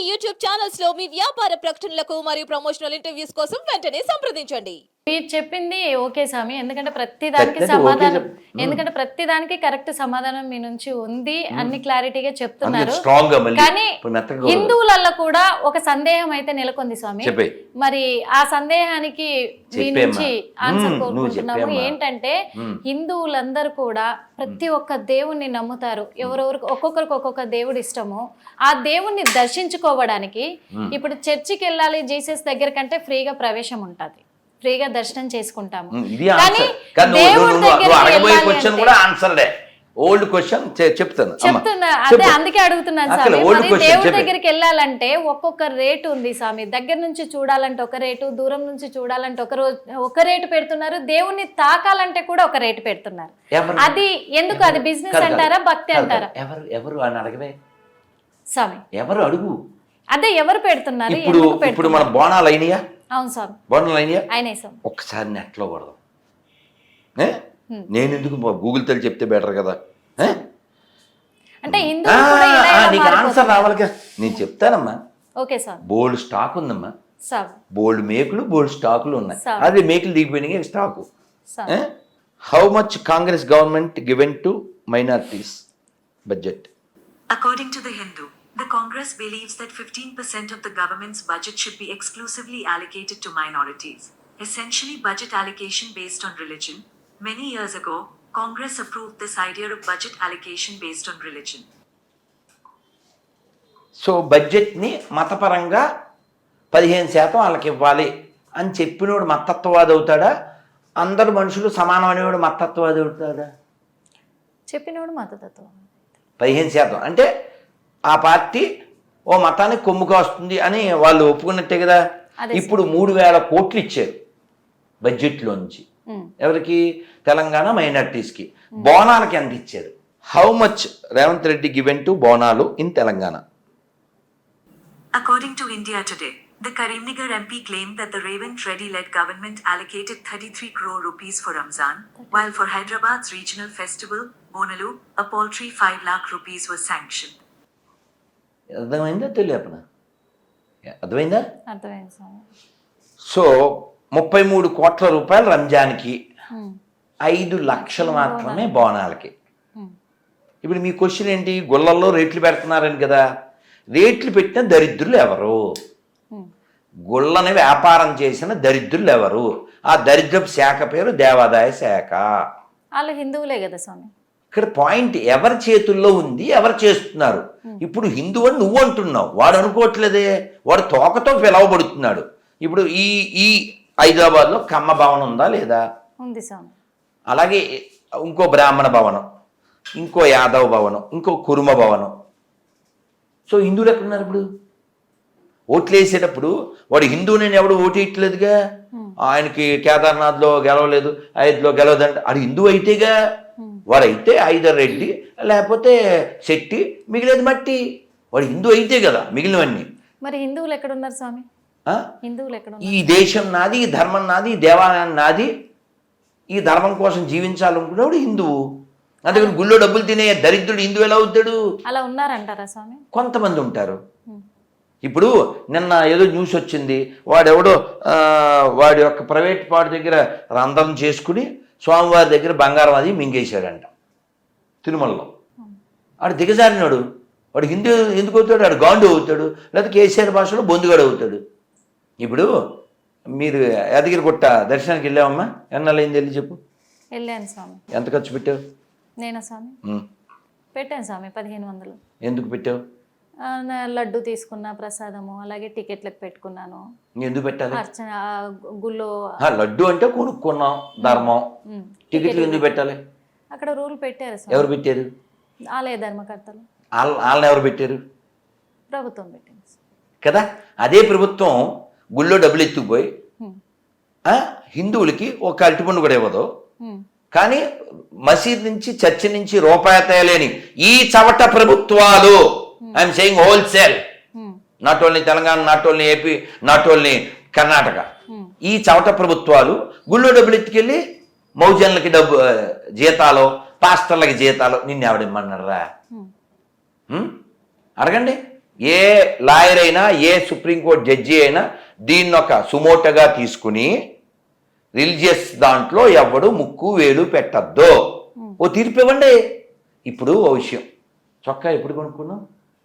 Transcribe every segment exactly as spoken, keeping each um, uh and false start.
YouTube channels లో మీ వ్యాపార ప్రకటనలకు మరియు ప్రమోషనల్ ఇంటర్వ్యూస్ కోసం వెంటనే సంప్రదించండి. మీరు చెప్పింది ఓకే స్వామి, ఎందుకంటే ప్రతి దానికి సమాధానం ఎందుకంటే ప్రతి దానికి కరెక్ట్ సమాధానం మీ నుంచి ఉంది, అన్ని క్లారిటీగా చెప్తున్నారు. కానీ హిందువులలో కూడా ఒక సందేహం అయితే నెలకొంది స్వామి. మరి ఆ సందేహానికి మీ నుంచి ఆన్సర్ కోరుకుంటున్నాము. ఏంటంటే హిందువులందరూ కూడా ప్రతి ఒక్క దేవుణ్ణి నమ్ముతారు, ఎవరెవరికి ఒక్కొక్కరికి ఒక్కొక్క దేవుడు ఇష్టము. ఆ దేవుణ్ణి దర్శించుకోవడానికి ఇప్పుడు చర్చికి వెళ్ళాలి జీసస్ దగ్గర కంటే ఫ్రీగా ప్రవేశం ఉంటుంది, ఫ్రీగా దర్శనం చేసుకుంటాము. ఓల్డ్ క్వశ్చన్ చెప్తాను చెప్తున్నా అదే అందుకే అడుగుతున్నాను స్వామి. దేవుడి దగ్గరికి వెళ్ళాలంటే ఒక్కొక్క రేటు ఉంది స్వామి. దగ్గర నుంచి చూడాలంటే ఒక రేటు, దూరం నుంచి చూడాలంటే ఒక రోజు ఒక రేటు పెడుతున్నారు, దేవుణ్ణి తాకాలంటే కూడా ఒక రేటు పెడుతున్నారు. అది ఎందుకు? అది బిజినెస్ అంటారా, భక్తి అంటారా? ఎవరు ఎవరు అని అడగవే స్వామి, ఎవరు అడుగు. అదే ఎవరు పెడుతున్నారు? ఇప్పుడు ఇప్పుడు మన బోనాలు అయినాయా? అవును స్వామి, బోనాలు అయినాయా? అయినాయి స్వామి. ఒక్కసారి నెట్లో కొడదాం. నేను ఎందుకు గూగుల్ తెలి చెప్తే బెటర్ కదా. అంటే నీకు ఆన్సర్ రావాలి కదా, నేను చెప్తానమ్మా. Okay sir. బోల్డ్ స్టాక్ ఉందమ్మా, బోల్డ్ మేకులు బోల్డ్ స్టాకులు ఉన్నాయి. అదే మేకులు దిగిపోయినాయి stock. How much Congress government given to minorities budget? According to the Hindu, the Congress believes that fifteen percent of the government's budget should be exclusively allocated to minorities, essentially budget allocation based on religion. Many years ago, Congress approved this idea of budget allocation based on religion. So బడ్జెట్ని మతపరంగా పదిహేను శాతం వాళ్ళకి ఇవ్వాలి అని చెప్పినోడు మతత్వవాది అవుతాడా? అందరు మనుషులు సమానం అనేవాడు మతత్వవాది అవుతాడా? చెప్పినోడు మతతత్వం. పదిహేను శాతం అంటే ఆ పార్టీ ఓ మతానికి కొమ్ముగా వస్తుంది అని వాళ్ళు ఒప్పుకున్నట్టే కదా. ఇప్పుడు మూడు వేల కోట్లు ఇచ్చారు బడ్జెట్లో నుంచి. ఎవరికి? తెలంగాణ మైనారిటీస్కి. బోనాలకి ఎంత ఇచ్చారు? How much Revanth Reddy given to Bonalu in Telangana? According to India Today, the Karimnagar M P claimed that the Revant Reddy-led government allocated thirty-three crore rupees for Ramzan, while for Hyderabad's regional festival, Bonalu, a paltry five lakh rupees was sanctioned. అర్థమైందా? తెలియపన అర్థమైందా? అర్థమైంది స్వామి. So ముప్పై మూడు కోట్ల రూపాయలు రంజాన్కి, ఐదు లక్షలు మాత్రమే బోనాలకి. ఇప్పుడు మీ క్వశ్చన్ ఏంటి? గుళ్ళల్లో రేట్లు పెడుతున్నారని కదా. రేట్లు పెట్టిన దరిద్రులు ఎవరు? గుళ్ళని వ్యాపారం చేసిన దరిద్రులు ఎవరు? ఆ దరిద్రపు శాఖ పేరు దేవాదాయ శాఖ. వాళ్ళు హిందువులే కదా స్వామి. ఇక్కడ పాయింట్ ఎవరి చేతుల్లో ఉంది, ఎవరు చేస్తున్నారు. ఇప్పుడు హిందూ అని నువ్వు అంటున్నావు, వాడు అనుకోవట్లేదే, వాడు తోకతో పిలవబడుతున్నాడు. ఇప్పుడు ఈ ఈ హైదరాబాద్లో కమ్మ భవనం ఉందా లేదా? ఉంది స్వామి. అలాగే ఇంకో బ్రాహ్మణ భవనం, ఇంకో యాదవ భవనం, ఇంకో కురుమ భవనం. సో హిందువులు ఎక్కడున్నారు? ఇప్పుడు ఓట్లు వేసేటప్పుడు వాడు హిందువుని ఎవడు ఓటు వేయట్లేదుగా. ఆయనకి కేదార్నాథ్లో గెలవలేదు, అయోధ్యలో గెలవదంటే అది హిందువు అయితేగా. వాడైతే ఐదర్ రెడ్డి లేకపోతే శెట్టి, మిగిలేదు మట్టి. వాడు హిందూ అయితే కదా మిగిలినవన్నీ. మరి హిందువులు ఎక్కడున్నారు స్వామి? హిందువులు ఎక్కడ? ఈ దేశం నాది, ఈ ధర్మం నాది, ఈ దేవాలయం నాది, ఈ ధర్మం కోసం జీవించాలనుకునేవాడు హిందువు. అందుకని గుళ్ళో డబ్బులు తినే దరిద్రుడు హిందువు ఎలా అవుతాడు? అలా ఉన్నారంటారా స్వామి? కొంతమంది ఉంటారు. ఇప్పుడు నిన్న ఏదో న్యూస్ వచ్చింది, వాడెవడో వాడి యొక్క ప్రైవేట్ పార్టీ దగ్గర రంధ్రం చేసుకుని స్వామివారి దగ్గర బంగారం అది మింగేశాడంట తిరుమలలో. వాడు దిగజారినాడు. వాడు హిందూ ఎందుకు అవుతాడు? వాడు గాండు అవుతాడు, లేకపోతే కేసీఆర్ భాషలో బొందుగాడు అవుతాడు. ఇప్పుడు మీరు యాదగిరి గుట్ట దర్శనానికి వెళ్ళావమ్మా? ఎన్నాళ్ళైంది వెళ్ళి చెప్పు. వెళ్ళాను స్వామి. ఎంత ఖర్చు పెట్టావు? నేనా స్వామి? పెట్టాను స్వామి పదిహేను వందలు. ఎందుకు పెట్టావు? లడ్డు తీసుకున్నా, ప్రసాదము, అలాగే టికెట్లకు పెట్టుకున్నాను. ఎందుకు పెట్టాలి? అర్చన గుళ్ళో లడ్డు అంటే కొనుక్కున్నాం ధర్మం, టికెట్లు ఎందుకు పెట్టాలి? అక్కడ రూల్ పెట్టారు. ఎవరు పెట్టారు? ఆలయ ధర్మకర్తలు. వాళ్ళని ఎవరు పెట్టారు? ప్రభుత్వం పెట్టింది కదా. అదే ప్రభుత్వం గుళ్ళో డబ్బులు ఎత్తుకుపోయి హిందువులకి ఒక అరటిపండు కూడా ఇవ్వదు. కానీ మసీద్ నుంచి చర్చి నుంచి రూపాయి తేలేని ఈ చవట ప్రభుత్వాలు, I'm saying wholesale, not only Telangana, not only AP, not only Karnataka, ఈ చవట ప్రభుత్వాలు గుళ్ళో డబ్బులు ఎత్తుకెళ్ళి మౌజన్లకి డబ్బు జీతాలు, పాస్టర్లకి జీతాలు. నిన్ను ఎవడిమ్మన్నారా? అడగండి. ఏ లాయర్ అయినా ఏ సుప్రీంకోర్టు జడ్జి అయినా దీన్ని ఒక సుమోటగా తీసుకుని రిలీజియస్ దాంట్లో ఎవడు ముక్కు వేలు పెట్టద్దు ఓ తీర్పు ఇవ్వండి. ఇప్పుడు ఓ విషయం, చొక్కా ఎప్పుడు కొనుక్కున్నావు?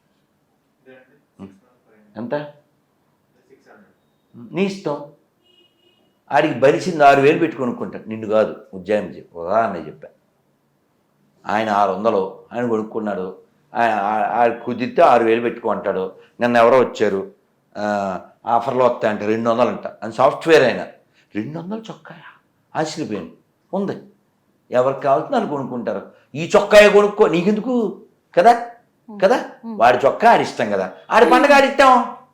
ఎంత? నీ ఇష్టం. ఆడికి బలిసింది ఆరు వేలు పెట్టి కొనుక్కుంటాడు, నిన్ను కాదు. ఉజ్జాయింపు చెప్పి ఉదాహరణ చెప్పా. ఆయన ఆరు వందలు ఆయన కొనుక్కున్నాడు, ఆయన కుదిరితే ఆరు వేలు పెట్టుకుంటాడు. నిన్న ఎవరో వచ్చారు, ఆఫర్లో వస్తాయంట రెండు వందలు అంట, అని సాఫ్ట్వేర్ అయినా రెండు వందలు చొక్కాయా ఆశ్చర్యపోయాను. ఉంది, ఎవరికి కావాల్సిన వాళ్ళు కొనుక్కుంటారు. ఈ చొక్కాయ కొనుక్కో, నీకెందుకు కదా కదా వాడి చొక్కా ఆడిస్తాం కదా, ఆడి పండుగ ఆడిస్తాం.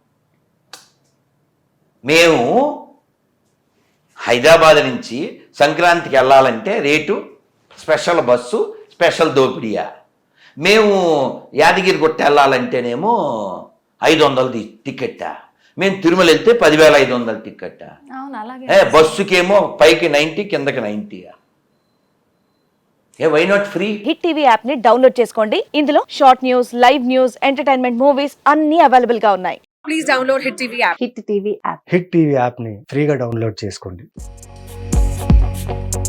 మేము హైదరాబాద్ నుంచి సంక్రాంతికి వెళ్ళాలంటే రేటు స్పెషల్ బస్సు స్పెషల్ దోపిడియా. మేము యాదగిరి గుట్ట వెళ్ళాలంటేనేమో ఐదు వందలు టికెట్టా. మేము తిరుమల వెళ్తే పదివేల ఐదు వందల టికెట్టా. ఏ బస్సుకేమో పైకి నైంటీ కిందకి నైంటీయా. ఏ why not free? Hit TV app ని డౌన్లోడ్ చేసుకోండి. ఇందులో short news, live news, entertainment movies అన్ని అవైలబుల్ గా ఉన్నాయి. Please download hit TV app. Hit TV app hit TV app ని ఫ్రీగా డౌన్లోడ్ చేసుకోండి.